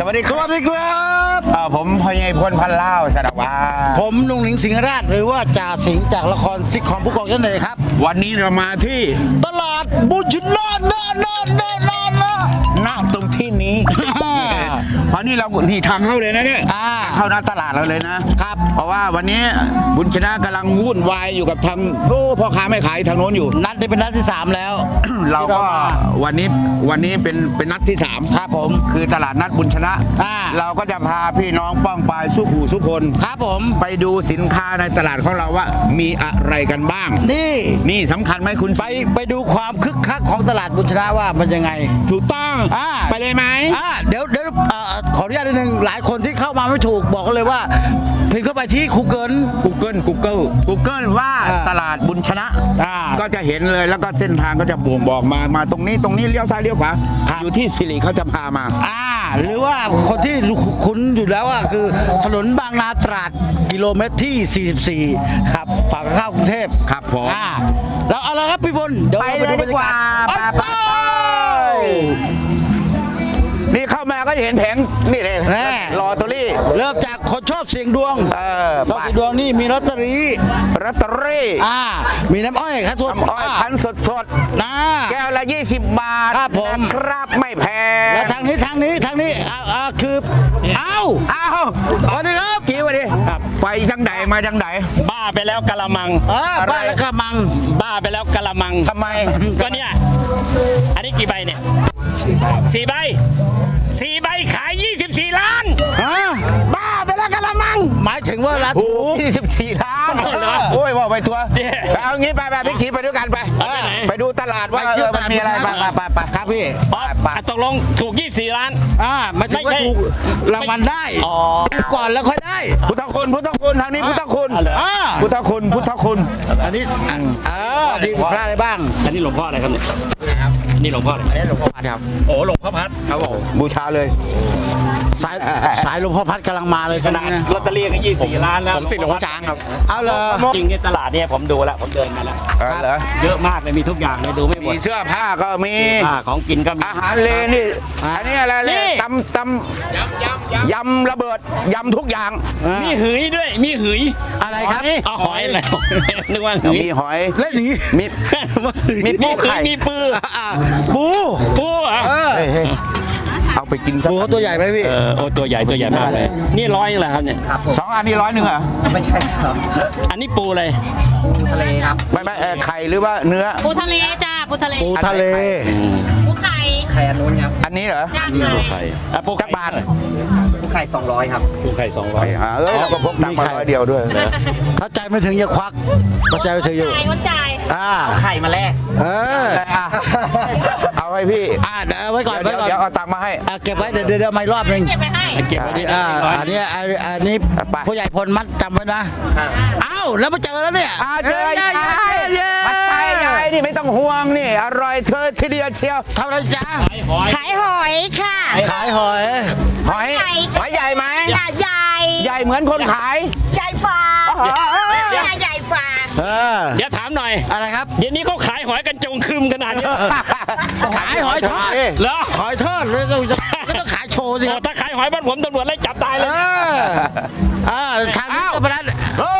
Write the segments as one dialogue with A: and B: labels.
A: วัสดีครับ
B: สวัสดีครับ
A: ผมพญายพลพันเล่าสารวัตร
B: ผมนุ่งหนิงสิงหราชหรือว่าจ่าสิงห์จากละครซิทคอมผู้กองยันเลยครับ
A: วันนี้เรามาที่
B: ตลาดบุญชินอน
A: ณตรงที่นี้ เพราะนี่เราที่ทางเข้าเลยนะเนี่ยเข้าหน้าตลาดเราเลยนะครับ เพราะว่าวันนี้บุญชนะกำลังวุ่นวายอยู่กับทางพ่อค้าไม่ขายทางโน้นอยู่
B: นัดนี้เป็นนัดที่ 3 แล้ว
A: เราก็วันนี้เป็นนัดที่3
B: ครับผม
A: คือตลาดนัดบุญชนะ เราก็จะพาพี่น้องป้องปายสู้ขู่สู้คน
B: ครับผม
A: ไปดูสินค้าในตลาดของเราว่ามีอะไรกันบ้างนี่สำคัญไหมคุณ
B: ไปดูความคึกคักของตลาดบุญชนะว่ามันยังไง
A: ถูกต้องไปเลยไหม
B: เดี๋ยวขออนุญาตนิดนึงหลายคนที่เข้ามาไม่ถูกบอกกันเลยว่าพิมพ์เข้าไปที่ Google
A: ว่าตลาดบุญชนะก็จะเห็นเลยแล้วก็เส้นทางก็จะบ่งบอกมาตรงนี้เลี้ยวซ้ายเลี้ยวขวาอยู่ที่สิริเขาจะพามา
B: หรือว่าคนที่คุ้นอยู่แล้วคือถนนบางนาตราดกิโลเมตรที่ 44ครับฝั่งเข้ากรุงเทพ
A: ครับผม
B: แล้วเอาละครับพี่บลเดี๋ยวไปดูบรรยากาศ
A: นี่เข้ามาก็เห็นแผงนี่เลยลอตเตอรี่
B: เริ่มจากคนชอบเสี่ยงดวงชอบเสี่ยงดวงนี่มีลอตเตอรี่มีน้ำอ้อยคั้นสด
A: คั้นสดแก้วละ20 บาท
B: ครับผม
A: ครับไม่แพง
B: แล้วทางนี้คือวันนี้ครับ
A: กี่วันนี้ไปจังไดมาจังได
C: บ้าไปแล้วกะละมัง
B: บ้าแล้วกะละมัง
C: บ้าไปแล้วกะละมัง
A: ทำไม
C: ก็เนี่ยอันนี้กี่ใบเนี่ย4 ใบขาย24 ล้าน
A: บ้าไปแล้วกะละมัง
B: หมายถึงว่าละถูก
A: 24 ล้านโอ้ยว่าไปทัวร์เอางี้ไปพี่ขี่ไปด้วยกันไปดูตลาดว่ามันมีอะไรไป
B: ครับพี่
C: ตกลงถูก24 ล้าน
B: ไม่ถึงว่าถูกรางวัลได้ก่อนแล้วค่อยได้
A: พุทธคุณทางนี้พุทธคุณพุทธคุณ
B: อันนี้ดีพระอะไรบ้าง
C: อันนี้หลวงพ่ออะไรครับเนี่ยนี่หลวงพ่ออะไร
A: หลวงพ่อพัดครับ
C: โอ้หลวงพ่อพัด
A: ครับผมบูชาเลย
B: สายหลวงพ่อพัดกำลังมาเลย
C: ขนาดลอตเตอรี่ก็24 ล้านแล้ว
A: ผมสิหลวงพ่อช้างครับ
B: เอาเลย
C: จริงในตลาดเนี่ยผมดูแล้วผมเดินมาแล้วเยอะมากเลยมีทุกอย่างเลยดูไม่หมด
A: มีเสื้อผ้าก็มี
C: ของกินก็มี
A: อาหารเลนี่อันนี้อะไรเลยตำยำระเบิดยำทุกอย่าง
C: มีหืยด้วยมีหืย
B: อะไรครับ
C: หอยอะไรนึกว่า
A: มีหอย
B: เล่นอย่างนี้
A: มีปูไข่
C: มีปู
A: เอาไปกิน
B: ปูเขาตัวใหญ่ไหมพี่
C: โอ้ตัวใหญ่มากเลยนี่100เหรอครับเนี่ย
A: 2 อันนี้100เหรอ
D: ไม่ใช่ครับ
C: อันนี้ปูอะไร
D: ปูทะเลครับ
A: ไม่ไข่หรือว่าเนื้อ
E: ปูทะเลจ้าปูทะเล
B: ปูทะเล
E: ปูไข่
D: อันนู้นครับ
A: อันนี้เหรอ
C: ปูไข่
A: ปูจักรบาล
D: ปูไข่200ครับ
C: ปูไข่200
A: เราก็พกตังค์มา100 เดียวด้วย
B: ถ้าใจไม่ถึงอย่าควักถ้าใจไม่ถึงอยู่
E: จ่าย
D: ไข่มาแลก
A: เอาให้พี่
B: เอาไว้ก่อนเ
A: ดี๋ยวเอาตังค์มาให้
B: เก็บไว้เดี๋ยวมาอีกรอบนึง
C: เก็บไว้ดิ
B: อันนี้ผู้ใหญ่พลมัดจำไว้นะแล้วมาเจอแล้วเนี่ย
A: เจอยายผัดไทยยายนี่ไม่ต้องห่วงนี่อร่อยเธอทีเดียวเชียว
B: ทำอะไรจ๊ะ
E: ขายหอยค่ะ
B: ขายหอย
A: ใหญ่ไหมใหญ่เหมือนคนขาย
E: ใหญ่ฟาใหญ่ฟา
C: เดี๋ยวถามหน่อย
B: อะไรครับ
C: เดี๋ยวนี้เขาขายหอยกันจงคืมขนาดนี้
B: ขายหอยทอด
C: เหรอ
B: หอยทอดก็ต้องขายโชว์สิ
C: ถ้าขายหอยบ้านผมตำรวจไล่จับตายเลย
B: ทางนี้ก็ประดัน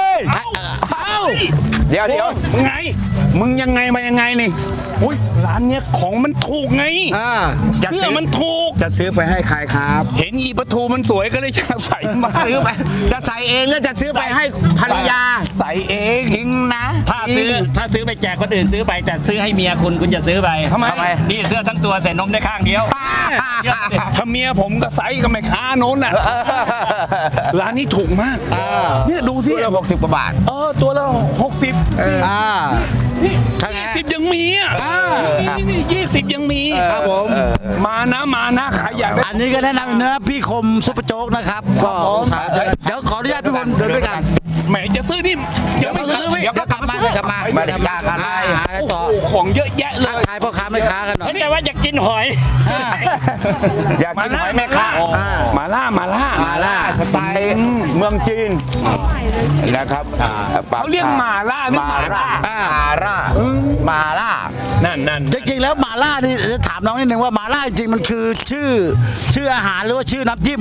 A: เดี๋ยวมึงยังไงมายังไงนี่
C: อุ้ยร้านเนี้ยของมันถูกไงเสื้อมันถูก
A: จะซื้อไปให้ใครครับ
C: เห็นอีปะทูมันสวยก็เลยจะใส่มา
A: ซื้อไปจะใส่เองหรือจะซื้อไปให้ภรรยา
C: ใส่เอง
A: จริงนะ
C: ถ้าซื้อไปแจกคนอื่นซื้อไปแต่ซื้อให้เมียคุณจะซื้อไป
A: ทำไม
C: นี่เสื้อทั้งตัวใส่นมได้ข้างเดียวถ้าเมียผมก็ใส่กับแม่ค้าโน้นน่ะร้านนี้ถูกมากเนี่ยดูสิ
A: ตัวละ60 กว่าบาท
C: ตัวละ6020ยังมี20ยังมี
B: ครับผม
C: มานะใครอยาก
B: อันนี้ก็แนะนำเนื้อพี่คมซุปเปอร์โจ๊กนะครับก็เดี๋ยวขออนุญาตพี่พลเดินด้วยกัน
C: แหมจะซื้อนี่
B: เดี๋ยวกลับมา
A: ไม่ได้ยากอะไร
B: ต่อ
C: ของเยอะแยะเลย
B: ขายพ่อค้าแม่ค้ากันหน่อย
C: ไม่ใช่ว่าอยากกินหอย
A: อยากกินหอยแม่ค้า
C: มาล่า
A: มาล่าสไตล์เมืองจีนนะครับ
C: เขาเรียกหมาล่าหรือหมาล่า
A: มาล่า
C: นั่น
B: จริงๆแล้วหมาล่านี่จะถามน้องนิดนึงว่าหมาล่าจริงๆมันคือชื่ออาหารหรือว่าชื่อน้ำจิ้ม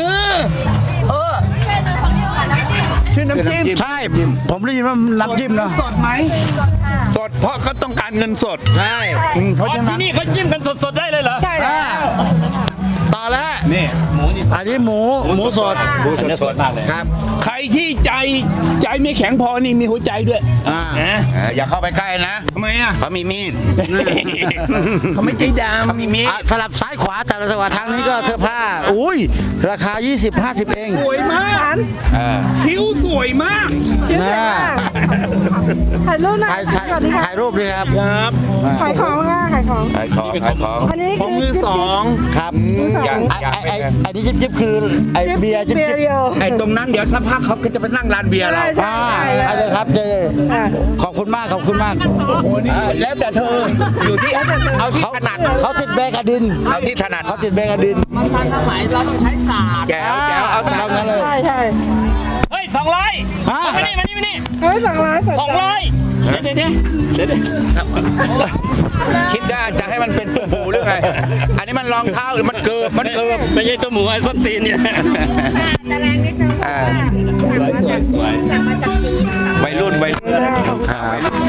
C: ชื่อน้ำจิ้ม
B: ใช่ ผมได้ยินว่าน้ำจิ้มเนาะ
C: สดไหมสดเพราะเขาต้องการเงินสด
B: ใช่
C: เพราะฉะนั้นที่นี่เขาจิ้มกันสดๆได้เลยเหรอ ใช่
B: ต่อแล้ว
C: นี่
B: อันนี้หมูสด
A: สดมากเลยครับ
C: ใครที่ใจไม่แข็งพอนี่มีหัวใจด้วย
B: อ่า
C: นะ
A: อย่าเข้าไปใกล้นะ
C: ทำไมอ่ะ
A: เขามีมีด
C: เขาไม่ใจด
A: เขามีมีด
B: อ่ะสลับซ้ายขวาแต่ละจังหวะทางนี้ก็เสื้อผ้า อุ้ยราคา 20-50 เอง
C: ำสวยมากผิวสวยมาก
B: นะ
F: ถ่ายรูปหน่อย
B: ถ่ายรูปด้วยครับ
C: ครับ
F: ขายของค่ะขายของ
A: ขายของ
F: อันนี้
C: ของมือสอง
B: ครับ
A: อย่า
B: ไอ้นี่จิ๊บๆคือไอ้เบียร์จิ๊บ
F: เบียร์เดียว
A: ไอ้ตรงนั้นเดี๋ยวสักพักเขาก็จะไปนั่งร้านเบียร์เรา
F: ใช่
B: ๆไปเลยครับเจขอบคุณมากขอบคุณมาก
A: แล้วแต่เธออยู่ที่เอาที่ถนัด
B: เขาติดแบกอดิน
A: เอาที่ถนัด
B: เขาติดแบกอดิน
A: แก้วเอา
B: เอางั้นเลย
F: ใช่ใช่
C: เฮ้ย200
B: ฮะ
C: มานี่
F: เฮ้ยสั่งร้าน
C: 200เดี๋ยว
A: ชิดได้จะให้มันเป็นตุ้มหูหรือไงอันนี้มันรองเท้าหรือมันเกิบ
C: ไม่ใช่ตัวหมูไอ้ส้นตีนเนี่ย
E: จะแรงนิดนึงสั่งมาจากจีน
A: วัยรุ่นครับ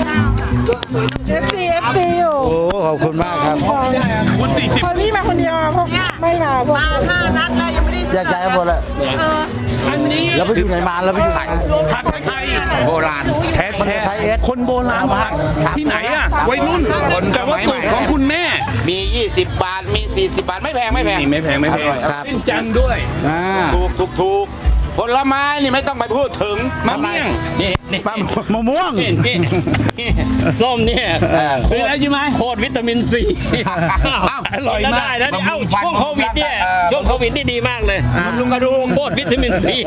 F: FC อยู่
B: โอ้ขอบคุณมากครับ
C: คุณ40
F: คนนี้มาคนเดียวพวกไม่มาพวก
E: 5 นัดแล้วยังไม่ได้
B: อยากใจหมดเลย
C: อันนี้
B: เราไปอยู่ไหนมาเราไปอยู่ไหน
C: ผัดไทย
A: โบราณ
C: แท้
B: มันไทยเอส
C: คนโบราณผัดที่ไหนอ่ะวัยรุ่นแต่ว่าสูตรของคุณแม่
A: มี20 บาทมี40 บาทไม่แพงไม่แพง
C: นี่ไม่แพง
A: อร่อยครับ
C: เป็นจันทร์ด้วย
B: อ่า
A: ถูกผลไม้นี่ไม่ต้องไปพูดถึง
C: มะเมี่ยงนี่นี่
B: มะม่วง
C: นี่ส้มเนี่ยคืออะไรใช่ไหมโคตรวิตามินซีอร่อยมากได้นะนี่เอ้าช่วงโควิดเนี่ยช่วงโควิดนี่ดีมากเลยบำรุงกระดูกโคตรวิตามินซี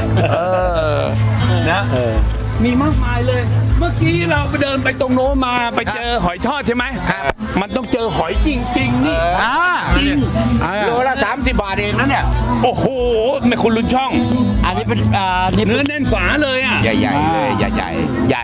C: นะมีมากมายเลย เมื่อกี้เราไปเดินไปตรงโน้นมาไปเจอหอยทอดใช่ไหมครับมันต้องเจอหอยจริงๆนี่
A: โลละ30 บาทเองนะเนี่ย
C: โอ้โหไม่คุณลุ้นช่อง
B: อันนี้เป็นนี่
C: เนื้อแน่นฝาเลยอ่ะ
A: ใหญ่ๆเลยใหญ่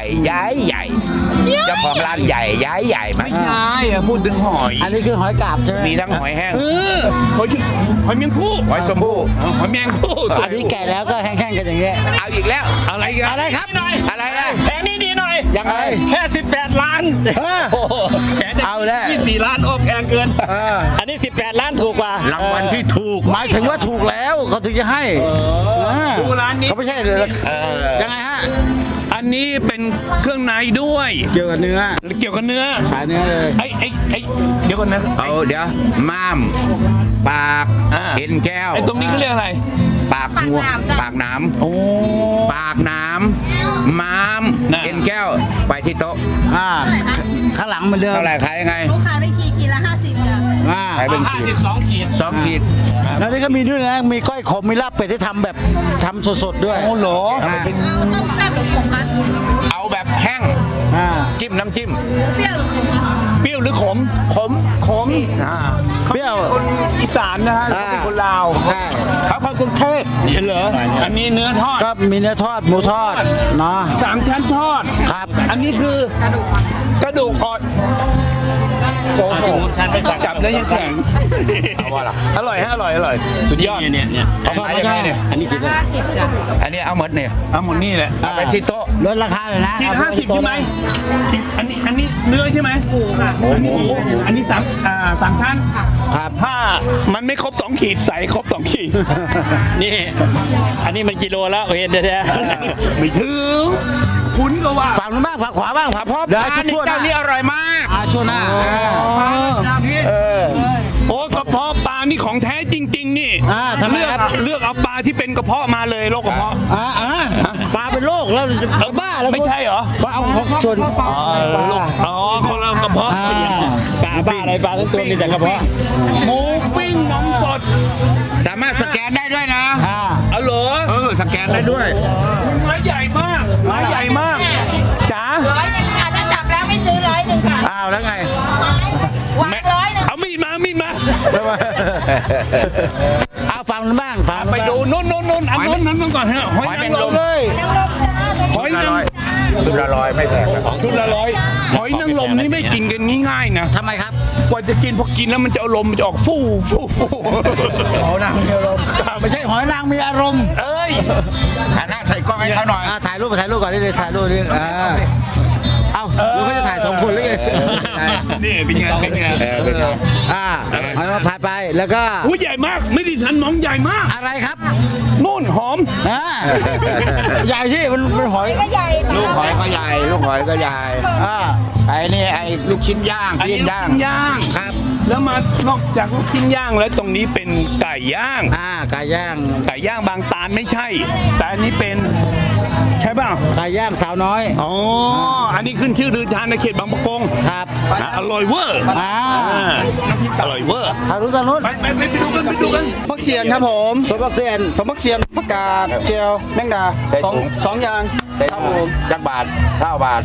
A: เจ้าของร้านใหญ่ไหม
C: ไม่ใช่อะพูดถึงหอย
B: อันนี้คือหอยกาบใช่ไหม
A: มีทั้งหอยแห้ง
C: หอยเมียงผู้
A: หอยสมบูรณ์
C: หอยเมียงผู้
B: อันนี้แก่แล้วก็แห้งๆกันอย่างเงี้ย
A: เอาอีกแล้ว
C: อะไรกัน
B: อะไรครับ
C: หน่อย
A: อะไรนะ
C: แผงนี้ดีหน่อย
A: ยังไง
C: แค่18 ล้านโอ้โหแผง
B: เอาแล้ว
C: 24 ล้านโอ้แพงเกินอันนี้18 ล้านถูกกว่าร
A: างวัลที่ถูก
B: หมายถึงว่าถูกแล้วเขาถึงจะให้า
C: ดูร้านนี้
B: เขาไม่ใช่เลย ยังไงฮะ
C: อันนี้เป็นเครื่องในด้วย
B: เกี่ยวกับเนื้อ
C: เกี่ยวกับเนื้อ
B: สายเนื้อเลย
C: ไอ้เดี๋ยวก่อนนะ
A: เอาเดี๋ยวม้ามปาก
C: อ่า
A: เอ็นแก้ว
C: ไอ้ตรงนี้เขาเรียกอะไร
A: ปากหัวปากหน้
C: โอ้
A: ำปากหน้ำม้าม
C: น่ะ
A: เอ็นแก้วไปที่โต๊ะ
B: ข้างหลังเหมือนเดิม
A: เท่าไหร่ขายยังไง
E: ลูกค้าได้ขีดละ50จ้ะ
A: ขายเป็นขีด
C: 52 ขีด
A: 2 ขีด
B: แล้วนี่ก็มีด้วยนะ มีก้อยขม มีลาบเป็ดที่ทำแบบทำสดๆด้วย
C: โอ้โห
B: อ่า
E: เอาต้มแซ่บหรือผงคะ
A: เอาแบบแห้ง
B: อ่า
A: จิ้มน้ำจิ้ม
E: เปรี้ยวหรือขมคะ
C: เปรี้ยวหรือขม
A: ขม
C: ขม
B: เปรี้ยว
C: คนอีสานนะฮะเขาเป็นคนลาว
B: ใช่
A: เขาคนกรุงเทพ
C: เห็นเหรออันนี้เนื้อทอด
B: ก็มีเนื้อทอด หมูทอด เนาะ
C: 3 ชั้นทอด
B: ครับ
C: อันนี้คือกระดูกอ่อนโอ้โหจับแล้วยังแข็ง
A: เอาว่าล่ะ
C: อร่อยฮะอร่อยสุดยอดเนี่ย
A: เอาขายยังไงเนี่ย
B: อันนี้กินได้
E: 50จ้ะ
A: อันนี้เอาหมดเนี่ย
C: เอาหมดนี่แหละ
A: เอาไปที่โต๊ะ
B: ลดราคาเลยนะ
C: ขีด
B: เอาป
C: 50ใช่ไหมอันนี้เนื้อใช่ไหมหมูค่ะอันนี้สามชั้น
B: ครับ
C: ถ้ามันไม่ครบ2 ขีดใส่ครบ2 ขีดนี่ อันนี้มันกิโลแล้วเห็นแท้ๆไม่ถึงคุณก็ว่า
B: ฝั่งนู้นบ้างฝั่งขวาบ้างฝั่ง
A: เพราะ
B: เดี๋ยว
A: ร้าน
B: ให้
A: นี้
B: ทั่วๆห
A: เจ้า
B: น้า
A: นี้อร่อยมาก
B: ช่วงหน้า
C: โอ้กระเพาะปลานี่ของแท้จริง ๆ นี่
B: ทำไมครับ
C: เลือกเอาปลาที่เป็นกระเพาะมาเลยโรคกระเพาะ
B: ปลาเป็นโรคแล้วจะบ้าแล้ว
C: ไม่ใช่เหรอ
B: ปลาเอาของส่วนปลา
C: อ๋อคนละกระเพาะ
B: ปลาบ้าอะไรปลาทั้งตัวมีแต่กระเพาะ
C: หมูปิ้งน้ำสด
A: สามารถสแกนได้ด้วยนะ
C: เอาเหรอ
A: สแกนได้ด้วย
C: ไม้ใหญ่มากไม้ใหญ่มากจ๋า
E: 100ค่ะถ้าจับแล้วไม่ซื้อ100ค่ะ
B: อ้าวแล้วไง
E: วาง100
C: เอามีดมา
B: เอาฟังนู้นบ้างฟังนู้น
C: ไป
B: บ้าง
C: ดูนู่นเอานู่นก่อนฮะหอยนางรม
B: เลย
C: หอยนาง
A: ชุดละร้อยไม่แพงนะ
C: ชุดละร้อยหอยนางรมนี่ไม่กินกันง่ายๆนะ
B: ทำไมครับ
C: กว่าจะกินพอกินแล้วมันจะอารมณ์มันจะออกฟู่
B: หอยนางมีอารมณ์ไม่ใช่หอยนางมีอารมณ์
C: เอ้ย
A: หันหน้าใส่กล้องให้เขาหน่อย
B: ถ่ายรูปก่อนนี่เลยถ่ายรูปนี่เอ้าแล้วเขาจะถ่าย2 คนหรือไง
C: นี่เป็นไง
A: เป็นไง
B: หอยนางรมพายไปแล้วก็
C: หูใหญ่มากไม่ดิฉันมองใหญ่มาก
B: อะไรครับ
C: นู่นหอม
B: ใหญ่ที่มันเป็นหอย
E: ก็ใหญ่
A: ลูกหอยก็ใหญ่ ลูกหอยก็ใหญ่ ไอ้นี่ไอ้ลูกชิ้นย่าง
C: อันนี้
A: ปิ้ง
C: ลูก
A: ย่าง
C: ชิ้นย่าง
B: ครับ
C: แล้วมานอกจากลูกชิ้นย่างแล้วตรงนี้เป็นไก่ย่าง
B: ไก่ย่าง
C: ไก่ย่างบางตาลไม่ใช่ แต่อันนี้เป็นใช่เปล่า
B: ไก่ย่างสาวน้อย
C: อ๋ออันนี้ขึ้นชื่อลือทานในเขตบางประกง
B: ครับ
C: อร่อยเวอร์อร่อยเวอร์
B: ทางนู้นทางนู้น
C: ไปดูกัน
B: พักเสียนครับผมสมพักเสียนสมพักเสียนผักกาดเจียวแมงดา
A: ใส่ถุง
B: สองอย่าง
A: ใส่ถุงจักบาท9 บาท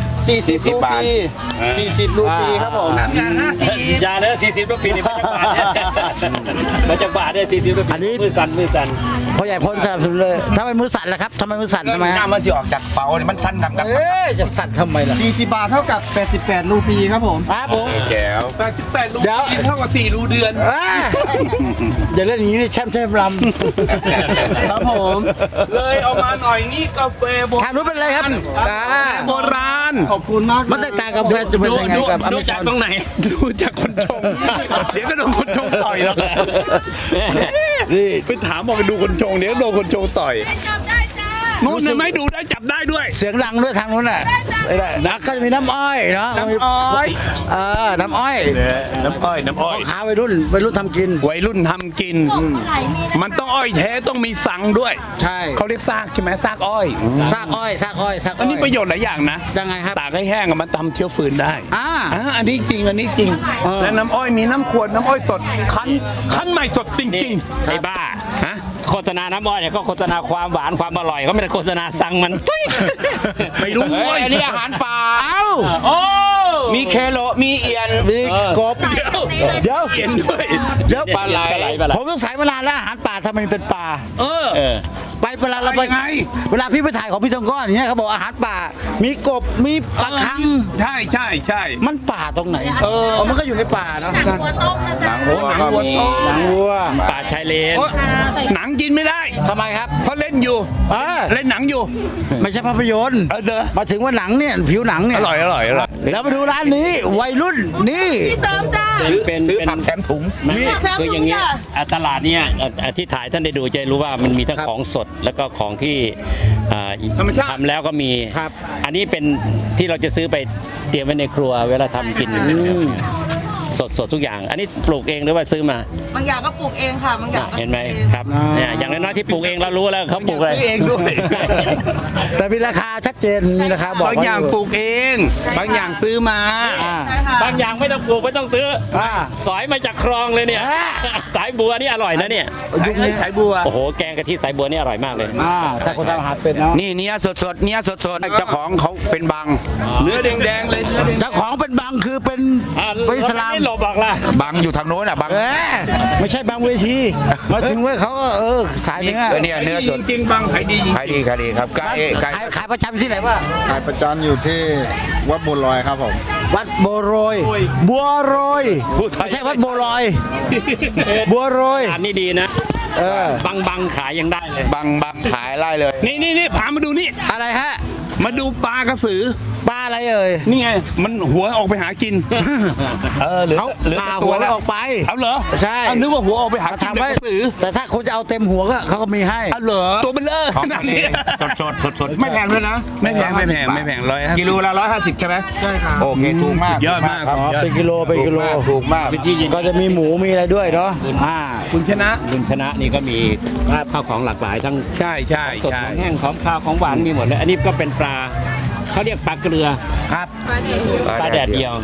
B: 40
A: รูปี
B: 40 รูปีครับผม
C: อย่าเลย40 ปีนี่มาจากบาทเนี่ย40 ปี
B: อันนี้
C: มือสั่น
B: พ่อใหญ่พ้นสนับสนุนเลยทำไมมือสั่นล่ะครับทำไมมือสั่นทำไม
A: หน้ามันสิออกจากเป๋านี่มันสั้นกับ
B: จะสั่นทำไมล่ะ
D: 40 บาทเท่ากับ 88 รูปีครับผม
B: ครับผม
A: แจ๋ว
C: 88 รู
B: เดี๋ยว
C: เท่ากับ4 รูเดือน
B: อย่าเล่นอย่างนี้นี่แช่มลำครับผม
C: เลยเอามาหน่อยนี่กาแฟโบราณ
B: ทางนู้นเป็นอะไรครับ
C: โบราณ
D: ขอบคุณมาก
B: มันแตกต่างกับแฟนจะเป็นยังไงกับอเม
C: ดู
B: ซ
C: จา
B: อก น
C: ตรงไหน ดูจากคนชง เดี๋ยวก็โดนคนชงต่อยแล้ว
B: นี่
C: ไปถามบอกไปดูคนชงเดี๋ยวโดนคนชงต่อย
E: จับได้จ้า
C: นู่นไม่ดูได้จับได้ด้วย
B: เสียงดังด้วยทางนู้นน่ะนะก็จะมีน้ำอ้อยเนาะ
C: น้ำอ้อย
B: น้ำอ้อย
C: น้ำอ้อย
B: ขาวัยรุ่นทำกิน
C: วัยรุ่นทำกิน
E: ไข่มี
C: มันต้องอ้อยแท้ต้องมีสังด้วย
B: ใช่
C: เขาเรียกซากใช่ไหมซากอ้อย
B: ซากอ้อย
C: อันนี้ประโยชน์หลายอย่างนะ
B: ยังไงครับ
C: ตากให้แห้งอะมันทำเชื้อฟืนได้ อันนี้จริงและน้ำอ้อยมีน้ำขวดน้ำอ้อยสดคั้นใหม่สดจริงๆไอ้บ้าฮะโฆษณาน้ำอ้อยเนี่ยก็โฆษณาความหวานความอร่อยเขาไม่ได้โฆษณาสั่งมัน ไม่รู้
A: อันนี้อาหารป่า
C: โอ้
A: มีเคโลมีเอียน
B: มีกบ เดี๋ยว
C: เขียนด้วย
B: เดี๋ยว
A: ปลาไหล
B: ผมต้องสายมานานแล้วอาหารป่าทำไมเป็นป่า
C: เออ
B: ไปเวลาเราไป
C: ยังไง
B: เวลาพี่ไปถ่ายของพี่ทองก้อนอย่างเงี้ยเขาบอกอาหารป่า มีกบมีปลาคัง
C: ใช่
B: มันป่าตรงไหนมันก็อยู่ในป่าเนาะ
E: หนังหัวต้มนะจ๊ะ
C: หนังวัวต้ม
B: หนังวัว
C: ป่าชายเลนหนังกินไม่ได้
B: ทำไมครับ
C: เพราะเล่นอยู่ เล่นหนังอยู่
B: ไม่ใช่ภาพยนตร์
C: เด้อ
B: มาถึงว่าหนังเนี่ยผิวหนังเนี่ย
C: อร่อย
B: แล้วมาดูร้านนี้วัยรุ่นนี่
E: พี่เสริมจ้า
A: ซื้อผักแถมถุง
C: คืออย่างเงี้ยตลาดเนี่ยที่ถ่ายท่านได้ดูจะรู้ว่ามันมีทั้งของสดแล้วก็ของที่ทำแล้วก็มี
B: ครับ
C: อันนี้เป็นที่เราจะซื้อไปเตรียมไว้ในครัวเวลาทำกินสดทุกอย่าง อันนี้ปลูกเองหรือว่าซื้อมา
E: บางอย่างก็ปลูกเองค่ะ บางอย่างก็
C: เห็นไหมครับเนี่ยอย่างน้อยๆที่ปลูกเองเรารู้แล้วเขาปลูกอะไรเองด้วย
B: แต่มีราคาชัดเจนมีราคาบอก
C: บางอย่างปลูกเอง บางอย่างซื้อมา
E: ใช่ค่ะ
C: บางอย่างไม่ต้องปลูกไม่ต้องซื้อ สอยมาจากคลองเลยเนี่ย สายบัวนี่อร่อยนะเนี่ย
B: ยุคนี้
C: สายบัว โอ้โห แกงกะทิสายบัวนี่อร่อยมากเลย
B: ถ้าคนทำอาหารเป็นเนาะ
A: นี่เนื้อสดเจ้าของเขาเป็นบัง
C: เนื้อแดงๆเลย
B: เจ้าของเป็นบังคือเป็นอิสลาม
C: ไม่หลบหรอกล่ะ
A: บังอยู่ทางโน้นอ่ะบัง
B: ไม่ใช่บางเวทีมาถึงเว้ยเขาก็สายเนื้อ
A: เนี่ยเนื้อสด
C: จริงๆบางขายดีจริง
A: ขายดีครับไก่
B: ขายประจำที่ไหนวะ
G: ขายประจำอยู่ที่วัดบุญลอยครับผม
B: วัดบัวโรยบัวโรยไม่ใช่วัดบัวลอยบัวโรย
C: อันนี้ดีนะ บางขายยังได้เลย
A: บังขายไล่เลย
C: นี่พามาดูนี่
B: อะไรฮะ
C: มาดูปลากระสือ
B: ปลาอะไรเอ่ย
C: นี่ไง มันหัวออกไปหากิน เหลือ
B: เขา
C: เหลือ
B: ปลา
C: แต่
B: หัว
C: แล้ว
B: ออกไป
C: เอาเหรอ
B: ใช่
C: เอานึกว่าหัวออกไปหา
B: มา
C: กิน
B: ทำไว้
C: กระสือ
B: แต่ถ้าคุณจะเอาเต็มหัวก็เขาก็มีให้
C: เอาเหรอตัวเป็นเลอ
A: ของทะเลสดไม่แพงด้วยนะ
C: ไม่แพงไม่แพง150
A: กิโลละ150ใช่ไหมใช่ครับโอเคถูกมาก
C: ยอดมาก
A: ครับ
B: เป็นกิโลเป็นกิโล
A: ถูกมาก
C: เป็นที่ยิน
B: ก็จะมีหมูมีอะไรด้วยเนาะ
C: คุณชนะนี่ก็มีข้าวของหลากหลายทั้ง ใช่ สดของแห้งของข้าวของหวานมีหมดเลย อันนี้ก็เป็นปลาเขาเรียกปลาเกลือ
B: ครับ
C: ปลาแดดเดียว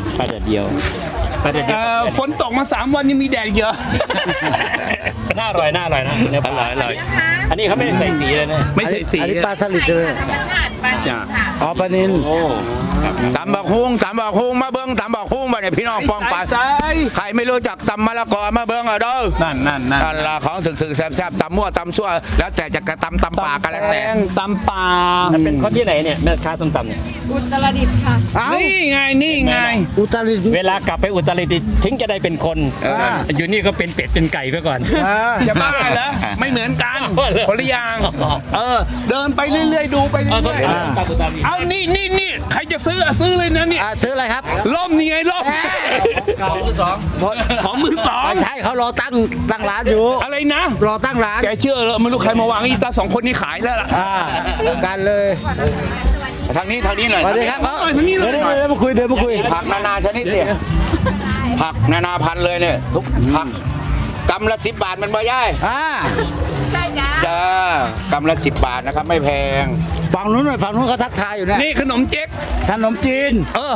C: ฝนตกมา3 วันยังมีแดดเยอะ น่าอร่อยนะเนื้อปลาอร่อยอันนี้เขาไม่ได้ใส่สีเลยนะไม่ใส่สี
B: อันนี้ปลาสลิดใช่ไหม
E: ธรรมชาติปลาดิบค่ะ
B: อ๋อปลานิน
C: โอ้
A: ตำบักฮุ้งมาเบิ้งตำบักฮุ้งมาเนี่ยพี่น้องปองไปใครไม่รู้จักตำมะละกอมาเบิ้งอ่ะเด้อ
C: นั่น
A: นั่นละของถึกแซ่บๆตำมั่วตำซั่วแล้วแต่จะกระตำปากกันแล้วแต่
C: ตำปลา
H: เป็นคนที่ไหนเนี่ยแม่ค้าส้มตำเนี่ย
E: อุตรดิตถ์ค่ะ
C: นี่ไง
B: อุตรดิตถ์
H: เวลากลับไปอุตรดิตถ์ถึงจะได้เป็นคน อยู่นี่ก็เป็นเป็ดเป็นไก่ไปก่อน
C: จะบ้าเหรอไม่เหมือนกันคนละอย่างเดินไปเรื่อยๆดูไปเรื่อยๆเอานี่ใครจะซื้อซื้อเลยนะนี่
B: ซื้ออะไรครับ
C: ล่มนี่ไงล่มของมือสอง
B: ไม่ใช่เขารอตั้งร้านอยู่
C: อะไรนะ
B: รอตั้งร้าน
C: แกเชื่อเหรอไม่รู้ใครมาวางอีตาสองคนนี้ขายแล้วล่ะ
B: กันเลย
A: ทางนี้หน่อย
B: สวัสดีครับ
C: ทางนี้เลย
B: เดินมาคุย
A: ผักนานาชนิดเนี่ยผักนานาพันธุ์เลยเนี่ยทุกผักกำละ10 บาทมันบ่ย่าย
E: ใช่จ้า
A: จ้ากำละ10 บาทนะครับไม่แพง
B: ฝั่งนู้นเขาทักทายอยู่เนี่ย
C: นี่ขนมเจ๊ก
B: ขนมจีน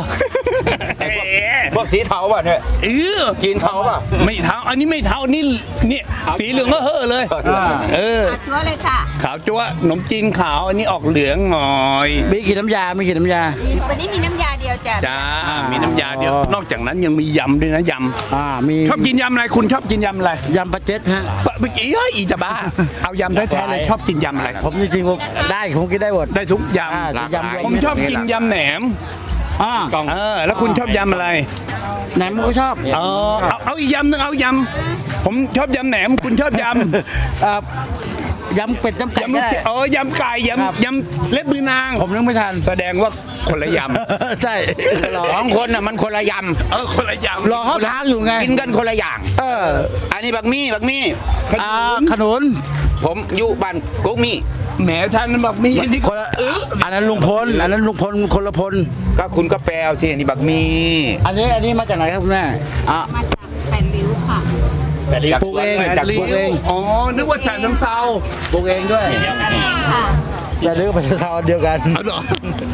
A: พวกสีเทาป่ะเนี่ย กินเทาป่ะ
C: ไม่เท้าอันนี้ไม่เท้านี่สีเหลืองก็เฮ่อเลย
E: ชัวร์เลยค่ะ
C: ขาวจั๊วขนมจีนขาวอันนี้ออกเหลืองหน่อย
B: มีกี่น้ำยา
E: วันนี้มีน้ำยาเดียวจ้ะ
C: จ้ามีน้ำยาเดียวนอกจากนั้นยังมียำด้วยนะย
B: มี
C: ำชอบกินยำอะไรคุณชอบกินยำอะไร
B: ยำปลาเจ็ดฮะ
C: เมื่อกี้อีจะบ้าเอายำแท้ๆเลยชอบกินยำอะไร
B: ผมจริงๆผมได้ผมกินได้หมด
C: ได้ทุกย
B: อ่า
C: ำ
B: ยำ
C: ผมชอบกินยำแหนม แล้วคุณชอบยำอะไร
B: แหนมก็ชอบ
C: เอาอีกยำนึงเอายำผมชอบยำแหนมคุณชอบยำ
B: ยำเป็ดยำไก่
C: ยำ
B: ก็
C: ลูก
B: ได้
C: ยำไก่ยำเล็บมือนาง
B: ผมนึกไม่ทัน
C: แสดงว่าคนละย
B: ใช่
A: สองคนน่ะมันคนละย
C: ำคนละยำ
B: รอเขาทางอยู่ไง
A: ำกินกันคนละอย่าง อันนี้บักมี่
B: ขนุน
A: ผมอยู่บ้านกุ๊กมี่
C: แหมท่านนั้นบอกมีอันนี้
B: คนละอันนั้นลุงพลคนละพล
A: ก็คุณก็แปลเอาสิอันนี้บักมี่
B: อันนี้มาจากไหนครับคุณแม่
E: มาจากแผ่นริ้วค่ะ
B: ปลูกเอง
A: จากสวน
C: อ๋อนึกว่าฉะเชิงเซา
B: ปลูกเองด้วย
E: ค่ะ
B: แต่เรื่องภาษาเดียวกัน
C: เอาเหรอ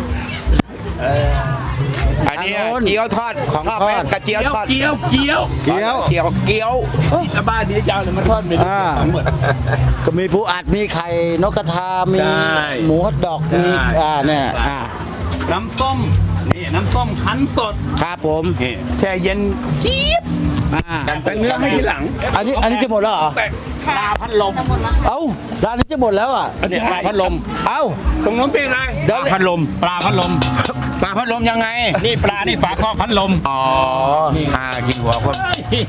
A: อันนี้เกี๊ยวทอดของทอดกระเจียวทอด
C: เกี๊ยว
B: เกี๊ยว
A: เกี๊ยว
C: ที่บ้านนี้จะเอาอะไรมาทอดเป็นทั้งหมด
B: ก็มีปูอัดมีไข่นกกระทามี
C: ใช่
B: หมูฮอทดอกมี
C: ใช่
B: เนี่ย
C: น้ำส้มนี่น้ำส้มคั้นสด
B: ครับผม
C: นี่แช่เย็นจี๊บแต่เนื้อให้ทีหลัง
B: อันนี้จะหมดแล้วเหรอ
C: ปลาพัดลม
B: เอ้าร้านนี้จะหมดแล้วอ่ะ
C: เนี่ยปลาพัดลม
B: เอ้า
C: ตรงนู้นเป็นอะไร
A: ปลาพัดลม
H: ปลาพัดลม
A: ปลาพัดลมยังไง
H: นี่ปลานี่ฝาครอบพัดลม
A: อ๋อข้ากินหัวคน